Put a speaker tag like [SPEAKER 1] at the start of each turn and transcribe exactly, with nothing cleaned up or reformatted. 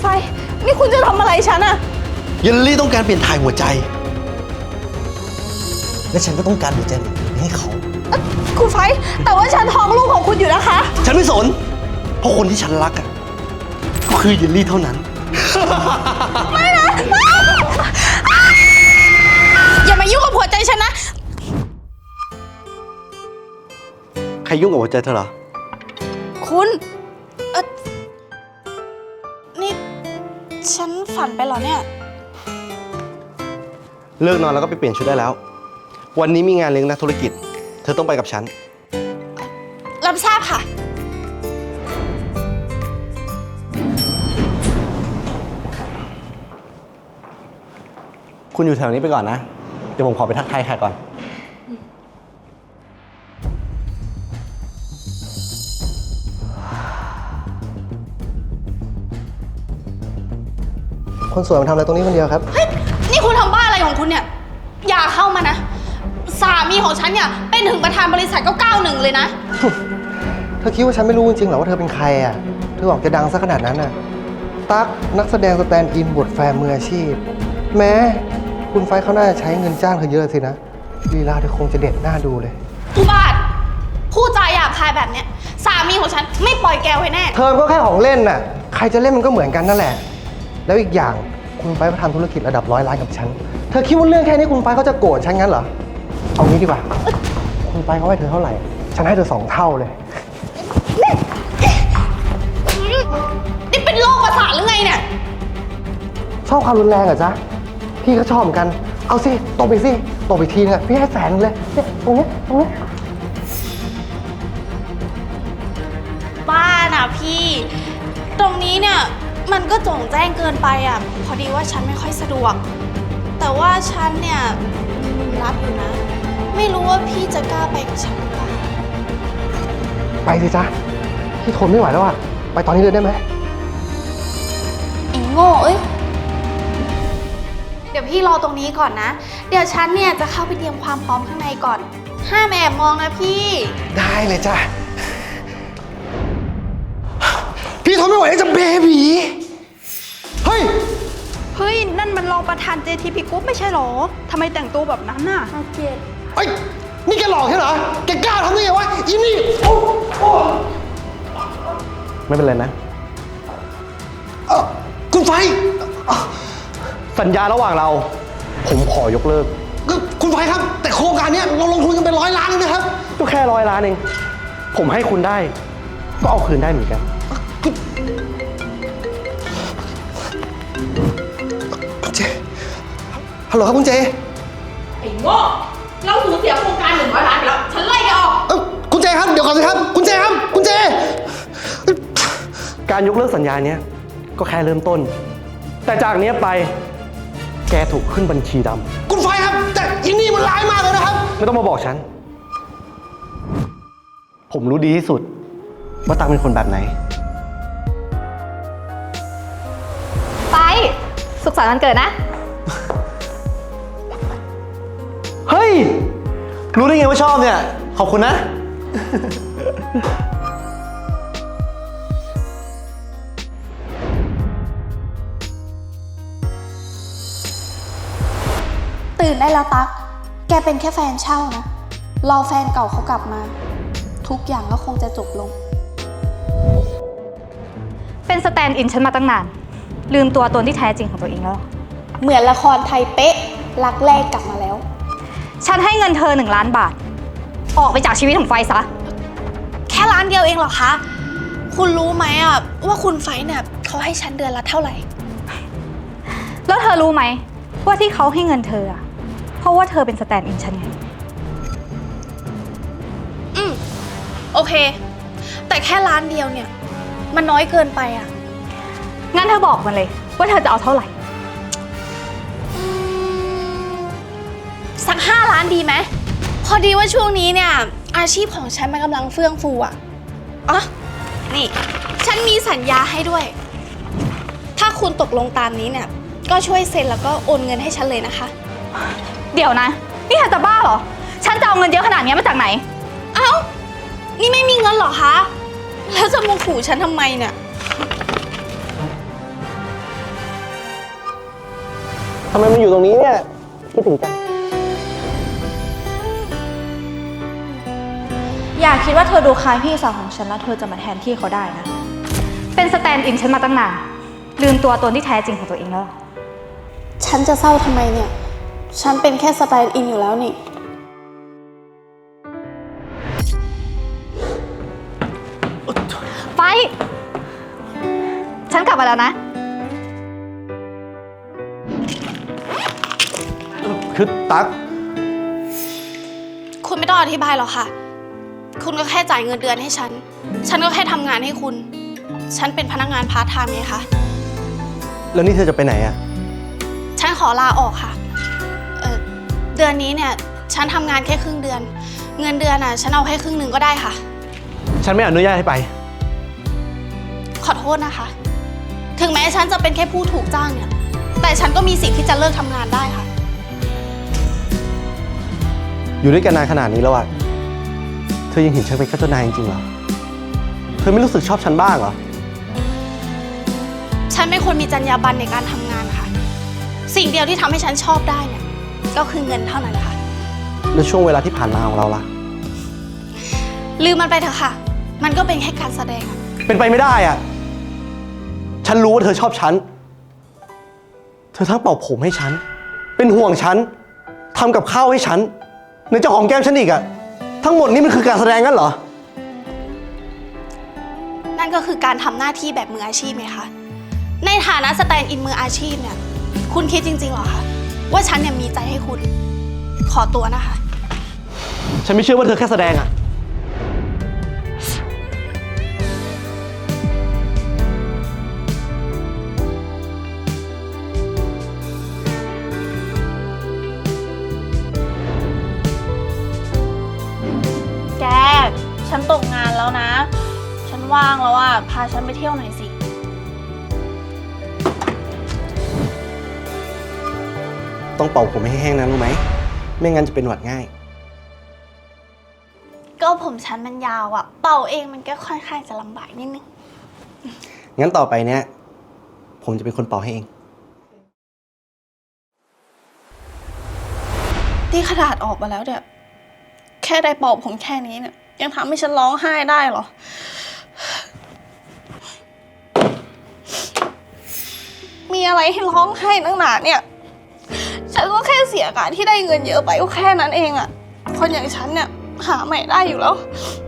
[SPEAKER 1] ไฟนี่คุณจะทำอะไรฉันอะ
[SPEAKER 2] เยลลี่ต้องการเปลี่ยนถ่ายหัวใจและฉันก็ต้องการหัวใจให้เขา
[SPEAKER 1] คุณไฟแต่ว่าฉันท้องลูกของคุณอยู่นะคะ
[SPEAKER 2] ฉันไม่สนเพราะคนที่ฉันรักอะก็คือเยลลี่เท่านั้น
[SPEAKER 1] ไม่นะอย่ามายุ่งกับหัวใจฉันนะ
[SPEAKER 2] ใครยุ่งกับหัวใจเธอเหรอ
[SPEAKER 1] คุณเออนี่ฉันฝันไปเหรอเนี่ย
[SPEAKER 2] เลิกนอนแล้วก็ไปเปลี่ยนชุดได้แล้ววันนี้มีงานเลี้ยงนักธุรกิจเธอต้องไปกับฉัน
[SPEAKER 1] รับทราบค่ะ
[SPEAKER 2] คุณอยู่แถวนี้ไปก่อนนะเดี๋ยวผมขอไปทักทายแขกก่อนคนสวยมาทำอะไรตรงนี้คนเดียวครับ
[SPEAKER 1] เฮ้ยนี่คุณทำบ้าอะไรของคุณเนี่ยอย่าเข้ามานะสามีของฉันเนี่ยเป็นถึงประธานบริษัทก็เก้าหนึ่งเลยนะ
[SPEAKER 2] เธอคิดว่าฉันไม่รู้จริงๆหรอว่าเธอเป็นใครอ่ะเธอบอกจะดังซะขนาดนั้นน่ะตั๊กนักแสดงสแตนด์อินบทแฟนมืออาชีพแม้คุณไฟเขาน่าจะใช้เงินจ้างเธอเยอะสินะลีลาเธอคงจะเด็ดหน้าดูเลย
[SPEAKER 1] อุบาทพูดจาหยาบคายแบบเนี้ยสามีของฉันไม่ปล่อยแกไว้แน่
[SPEAKER 2] เธอก็แค่ของเล่นน่ะใครจะเล่นมันก็เหมือนกันนั่นแหละแล้วอีกอย่างคุณไฟเขาทำธุรกิจระดับร้อยล้านกับฉันเธอคิดว่าเรื่องแค่นี้คุณไฟเขาจะโกรธฉันงั้นเหรอเอางี้ดีกว่าคุณไฟเขาให้เธอเท่าไหร่ฉันให้เธอสองเท่าเลย
[SPEAKER 1] นี่เป็นโรคประสาทหรือไงเนี่ย
[SPEAKER 2] ชอบความรุนแรงเหรอจ๊ะพี่ก็ชอบเหมือนกันเอาสิตบไปสิตบไปทีนึงอะพี่ให้แสนเลยเนี่ยตรงนี้ตรงนี้
[SPEAKER 1] บ้าน่ะพี่ตรงนี้เนี่ยมันก็โจ่งแจ้งเกินไปอ่ะพอดีว่าฉันไม่ค่อยสะดวกแต่ว่าฉันเนี่ยรับอยู่นะไม่รู้ว่าพี่จะกล้าไปกับฉันหรือเปล่า
[SPEAKER 2] ไปสิจ๊ะพี่ทนไม่ไหวแล้วอะไปตอนนี้เลยได้ไหม
[SPEAKER 1] ไอ้โง่เอ้ยเดี๋ยวพี่รอตรงนี้ก่อนนะเดี๋ยวฉันเนี่ยจะเข้าไปเตรียมความพร้อมข้างในก่อนห้ามแอบมองนะพี่
[SPEAKER 2] ได้เลยจ้ะพี่ทนไม่ไหวแล้วจะเบบีเฮ้ย
[SPEAKER 1] เฮ้ยนั่นมันรองประธาน เจ ที พี Group ไม่ใช่หรอทำไมแต่งตัวแบบนั้นน่ะเกลียด
[SPEAKER 2] เฮ้ยนี่แกหลอกใช่เหรอแกกล้าทำได้ไงวะอีนี่โอ้โอ้ไม่เป็นไรนะเออคุณไฟสัญญาระหว่างเราผมขอยกเลิกคุณไฟครับแต่โครงการนี้เราลงทุนกันเป็นร้อยล้านเลยนะครับก็แค่ร้อยล้านเองผมให้คุณได้ก็เอาคืนได้เหมือนกันคุณเจฮัลโหลครับคุณเจ
[SPEAKER 1] ไอ้โง่เราสูญเสียโครงการหนึ่งร้อยล้านไปแล้วฉันไล่แกออก
[SPEAKER 2] เออคุณเจครับเดี๋ยวก่อนสิครับคุณเจครับคุณเจการยกเลิกสัญญาเนี้ยก็แค่เริ่มต้นแต่จากนี้ไปแกถูกขึ้นบัญชีดำคุณไฟครับแต่อินนี่มันร้ายมากเลยนะครับไม่ต้องมาบอกฉันผมรู้ดีที่สุดว่าตังเป็นคนแบบไหน
[SPEAKER 1] ไปสุขสันต์วันเกิดนะ
[SPEAKER 2] เฮ้ยรู้ได้ไงว่าชอบเนี่ยขอบคุณนะ
[SPEAKER 1] ตื่นได้แล้วตั๊กแกเป็นแค่แฟนเช่านะรอแฟนเก่าเขากลับมาทุกอย่างก็คงจะจบลง
[SPEAKER 3] เป็นสแตนด์อินฉันมาตั้งนานลืมตัวตนที่แท้จริงของตัวเองแล้ว
[SPEAKER 1] เหมือนละครไทยเป๊ะรักแรกกลับมาแล้ว
[SPEAKER 3] ฉันให้เงินเธอหนึ่งล้านบาทออกไปจากชีวิตของไฟซะ
[SPEAKER 1] แค่ล้านเดียวเองเหรอคะคุณรู้ไหมอ่ะว่าคุณไฟเนี่ยเขาให้ฉันเดือนละเท่าไหร่
[SPEAKER 3] แล้วเธอรู้ไหมว่าที่เขาให้เงินเธออะเพราะว่าเธอเป็นสแตนด์อินฉันไง
[SPEAKER 1] อืมโอเคแต่แค่ล้านเดียวเนี่ยมันน้อยเกินไปอ่ะ
[SPEAKER 3] งั้นเธอบอกมาเลยว่าเธอจะเอาเท่าไหร่
[SPEAKER 1] สักห้าล้านดีไหมพอดีว่าช่วงนี้เนี่ยอาชีพของฉันมันกำลังเฟื่องฟูอ่ะอ๋อนี่ฉันมีสัญญาให้ด้วยถ้าคุณตกลงตามนี้เนี่ยก็ช่วยเซ็นแล้วก็โอนเงินให้ฉันเลยนะคะ
[SPEAKER 3] เดี๋ยวนะนี่เธอจะบ้าเหรอฉันจะเอาเงินเยอะขนาดนี้มาจากไหน
[SPEAKER 1] เอ้านี่ไม่มีเงินเหรอคะแล้วจะมาขู่ฉันทำไมเนี่ย
[SPEAKER 2] ทำไมมันอยู่ตรงนี้เนี่ยคิดถึงจัง
[SPEAKER 3] อย่าคิดว่าเธอดูคล้ายพี่สาวของฉันแล้วเธอจะมาแทนที่เขาได้นะ เป็นสแตนด์อินฉันมาตั้งนาน ลืมตัวตนที่แท้จริงของตัวเองแล้ว
[SPEAKER 1] ฉันจะเศร้าทำไมเนี่ย ฉันเป็นแค่สแตนด์อินอยู่แล้วนี่
[SPEAKER 3] ไฟ ฉันกลับมาแล้วนะ
[SPEAKER 2] คือตั๊ก
[SPEAKER 1] คุณไม่ต้องอธิบายหรอกค่ะ คุณก็แค่จ่ายเงินเดือนให้ฉัน ฉันก็แค่ทำงานให้คุณ ฉันเป็นพนักงานพาร์ทไทม์ไงคะ
[SPEAKER 2] แล้วนี่เธอจะไปไหนอะ
[SPEAKER 1] ฉันขอลาออกค่ะ เออเดือนนี้เนี่ย ฉันทำงานแค่ครึ่งเดือน เงินเดือนอ่ะ ฉันเอาแค่ครึ่งหนึ่งก็ได้ค่ะ
[SPEAKER 2] ฉันไม่อนุญาตให้ไป
[SPEAKER 1] ขอโทษนะคะ ถึงแม้ฉันจะเป็นแค่ผู้ถูกจ้างเนี่ย แต่ฉันก็มีสิทธิ์ที่จะเลิกทำงานได้ค่ะ
[SPEAKER 2] อยู่ด้วยกันนานขนาดนี้แล้วอะเธอยังเห็นฉันเป็นแค่เจ้านายจริงๆเหรอ เธอไม่รู้สึกชอบฉันบ้างเหรอ
[SPEAKER 1] ฉันเป็นคนมีจรรยาบรรณในการทำงานค่ะ สิ่งเดียวที่ทำให้ฉันชอบได้เนี่ย ก็คือเงินเท่านั้นค่ะ
[SPEAKER 2] แล้วช่วงเวลาที่ผ่านมาของเราล่ะ
[SPEAKER 1] ลืมมันไปเถอะค่ะ มันก็เป็นแค่การแสดงอะ
[SPEAKER 2] เป็นไปไม่ได้อะฉันรู้ว่าเธอชอบฉัน เธอทั้งเป่าผมให้ฉัน เป็นห่วงฉัน ทำกับข้าวให้ฉันในจะหอมแก้มฉันอีกอะทั้งหมดนี้มันคือการแสดงงั้นเหรอ
[SPEAKER 1] นั่นก็คือการทำหน้าที่แบบมืออาชีพไงคะ ในฐานะสแตนด์อินมืออาชีพเนี่ย คุณคิดจริงๆเหรอคะว่าฉันเนี่ยมีใจให้คุณ ขอตัวนะคะ
[SPEAKER 2] ฉันไม่เชื่อว่าเธอแค่แสดงอะ
[SPEAKER 1] แก ฉันตกงานแล้วนะ ฉันว่างแล้วอ่ะ พาฉันไปเที่ยวหน่อยสิ
[SPEAKER 2] ต้องเป่าผมให้แห้งนะรู้ไหม ไม่งั้นจะเป็นหวัดง่าย
[SPEAKER 1] ก็ผมฉันมันยาวอ่ะ เป่าเองมันก็ค่อนข้างจะลำบากนิดนึง
[SPEAKER 2] งั้นต่อไปเนี้ยผมจะเป็นคนเป่าให้เอง
[SPEAKER 1] ที่ขนาดออกมาแล้วเนี่ย แค่ได้เป่าผมแค่นี้เนี่ย ยังทำให้ฉันร้องไห้ได้เหรอ มีอะไรให้ร้องไห้นักหนาเนี่ย ฉันก็แค่เสียการที่ได้เงินเยอะไปก็แค่นั้นเองอะคนอย่างฉันเนี่ยหาใหม่ได้อยู่แล้ว